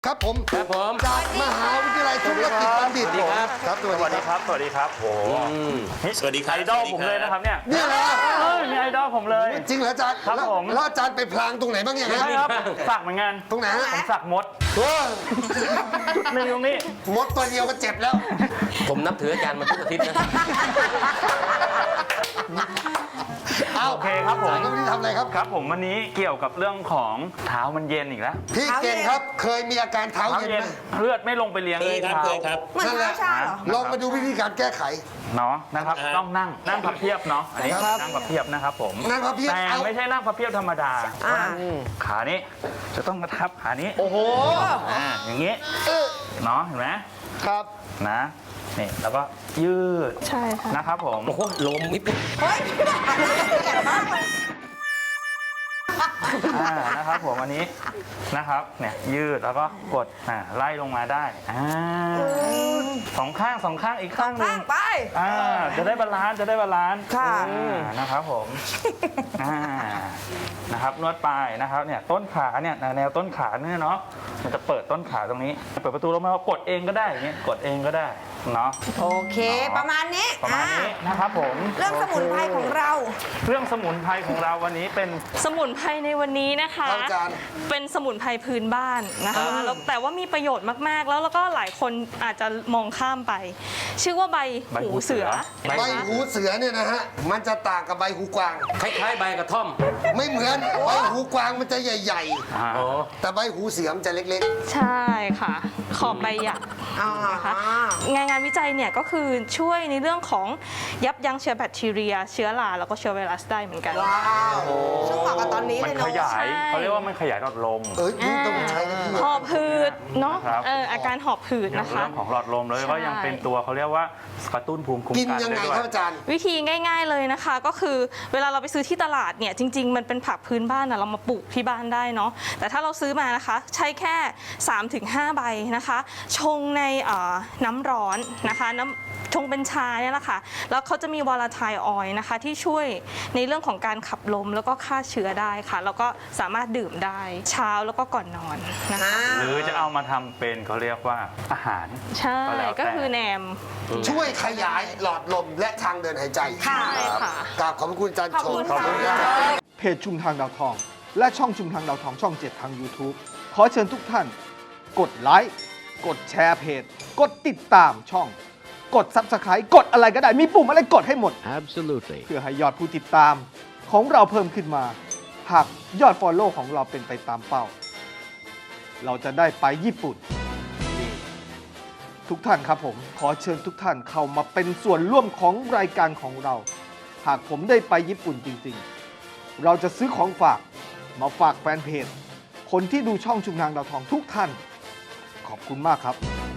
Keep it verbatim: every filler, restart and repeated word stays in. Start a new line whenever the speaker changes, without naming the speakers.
ครับผม
ครับผม
จากมหาวิทยาลัยธุรกิจบัณฑิต
สวัสดีครับ
ครับส
ส
วั
วั
ส
ส
ดี
ดี
ค
ครับ รับ สวัสดีครับโห
สวัสดีครับ
ไอดอลผมเลยนะครับเนี่ย
เนี่ยเหรอ
เออมีไอดอลผมเลย
จริงเหรออาจารย์
ครับ
แล้ว
ผม
แล้วอาจารย์ไปพลางตรงไหนบ้างอย่าง
ใช่
นั้น
ครับสักเหมือนกัน
ตรงไหนฮะ
ผมสักมด
โอ้
จุดหนึ่งตรงนี้
มดตัวเดียวก็เจ็บแล้ว
ผมนับถืออาจารย์มาทุกอาทิตย์นะ
เอา
โอเคครับผม
อาจารย์ก็ไม่ได้ทำอะไรครับ
ครับผมวันนี้เกี่ยวกับเรื่องของเท้ามันเย็นอีกแล้ว
พี่เก่งครับ เคยมีอาการเท้า
เท้า
เย็น
เย็
ไห
น
ม
เลือดไม่ลงไปเลี้ยง
เคยครับ
ท้า
เคยครับ
เหมือน
นั่นแห
เท้า
ละ
ชาเหรอ
ลองมาดูวิธีการแก้ไข
เนาะนะครับ
อ่า
ต้องนั่งนั่งพับเพียบเนาะอันนี้
ครับ
นั่งพับเพียบนะครับผม
นั่งพับเพียบ
แต่
เอา
ไม่ใช่นั่งพับเพียบธรรมดา
อ่า
ขานี้จะต้องกระทับขานี้
โอ้โห
อ่าอย่างงี้
เออ
เนาะเห็นไหม
ครับ
นะนี่แล้วก็ยืด
ใช่ค่ะ
นะครับผม
โอ้โหลมนิดนึง
เฮ้ยละเอียดมากเลย
อ่านะครับผมอันนี้นะครับเนี่ยยืดแล้วก็กดอ่าไล่ลงมาได้อ่าสองข้างสองข้างอีกข้างหนึ่
ข้าง งไป
อ่าจะได้บาลานซ์จะได้บาลานซ์
ค่ะ
อ่านะครับผมอ่านะครับนวดปลายนะครับเนี่ยต้นขาเนี่ยแนวต้นขาเนี่ยเนาะมันจะเปิดต้นขาตรงนี้เปิดประตูลงมากดเองก็ได้อย่างเงี้ยกดเองก็ได้เนาะ
โอเค ประมาณนี้
ประมาณนี้
อ่
นะครับผม
เรื่องสมุนไพรของเรา
เครื่องสมุนไพรของเราวันนี้เป็น
สมุนไพรในวันนี้นะคะ
ครับอาจารย์
เป็นสมุนไพรพื้นบ้านนะคะแล้วแต่ว่ามีประโยชน์มากๆ แล้วแล้วก็หลายคนอาจจะมองข้ามไป ชื่อว่าใบ
ใบหู
หู
เสื
เสื
อ
อ
ใบหูเสือเนี่ยนะฮะ มันจะต่างกับใบหูกวาง
คล้ายๆใบกระท่อม
ไม่เหมือน ใบหูกวางมันจะใหญ่
อ่า
อ๋อ
ๆ แต่ใบหูเสือมันจะเล็ก
ใช่ค่ะ ขอบใบหยัก
อ่า
นะคะงานงานวิจัยเนี่ยก็คือช่วยในเรื่องของยับยั้งเชื้อแบคทีเรีย เชื้อราแล้วก็เชื้อไวรัสได้เหมือนกัน
ว้าวซึ่งเหมาะกับตอนนี้
มั
เล
น
ย
ข
เนาะ
ยาย
ใช่
เขาเรียกว่ามันขยายหลอดลม
ๆ เอ้ยนี่ต้องใช้นะพี่
หอบหืดเนาะ
ครับ
เอออาการหอบหืด
อย่าง
นะคะ
เรื่องของหลอดลมแล้วก็ยังเป็นตัวเขาเรียกว่ากระตุ้นภูมิคุ้ม
กิน
กัน
ยังไง
ได้ด้ว
ครับอาจารย์
วิธีง่าย ๆเลยนะคะ ก็คือเวลาเราไปซื้อที่ตลาดเนี่ยจริง ๆ มันเป็นผักพื้นบ้านนะเรามาปลูกที่บ้านได้เนาะแต่ถ้าเราซื้อมานะคะใช้แค่ สามถึงห้า ใบนะคะชงในเอ่อน้ำร้อนนะคะน้ำชงเป็นชาเนี่ยแหละค่ะแล้วเขาจะมีวอลาไทล์ออยล์นะคะที่ช่วยในเรื่องของการขับลมแล้วก็ฆ่าเชื้อได้ค่ะแล้วก็สามารถดื่มได้เช้าแล้วก็ก่อนนอนนะคะ
หรือจะเอามาทำเป็นเขาเรียกว่าอาหาร
ใช่
ก็แล้วแต่
ก็คือแหนม
ช่วยขยายหลอดลมและทางเดินหายใจ
ค่ะ
ใช่ค่ะ
กราบขอบพระคุณอาจารย์
ขอบ
โช
คุณ
ว์
ค่ะ
เพจชุมทางดาวทอง และช่องชุมทางดาวทองช่อง เจ็ด ทาง YouTube ขอเชิญทุกท่าน กดไลค์กดแชร์เพจ กดติดตามช่อง กด Subscribe กดอะไรก็ได้ มีปุ่มอะไรกดให้หมด
Absolutely.
เพื่อให้ยอดผู้ติดตามของเราเพิ่มขึ้นมา หากยอด Follow ของเราเป็นไปตามเป้า เราจะได้ไปญี่ปุ่น ทุกท่านครับผม ขอเชิญทุกท่านเข้ามาเป็นส่วนร่วมของรายการของเรา หากผมได้ไปญี่ปุ่นจริงๆ เราจะซื้อของฝากมาฝากแฟนเพจ คนที่ดูช่องชุมทางดาวทองทุกท่าน ขอบคุณมากครับ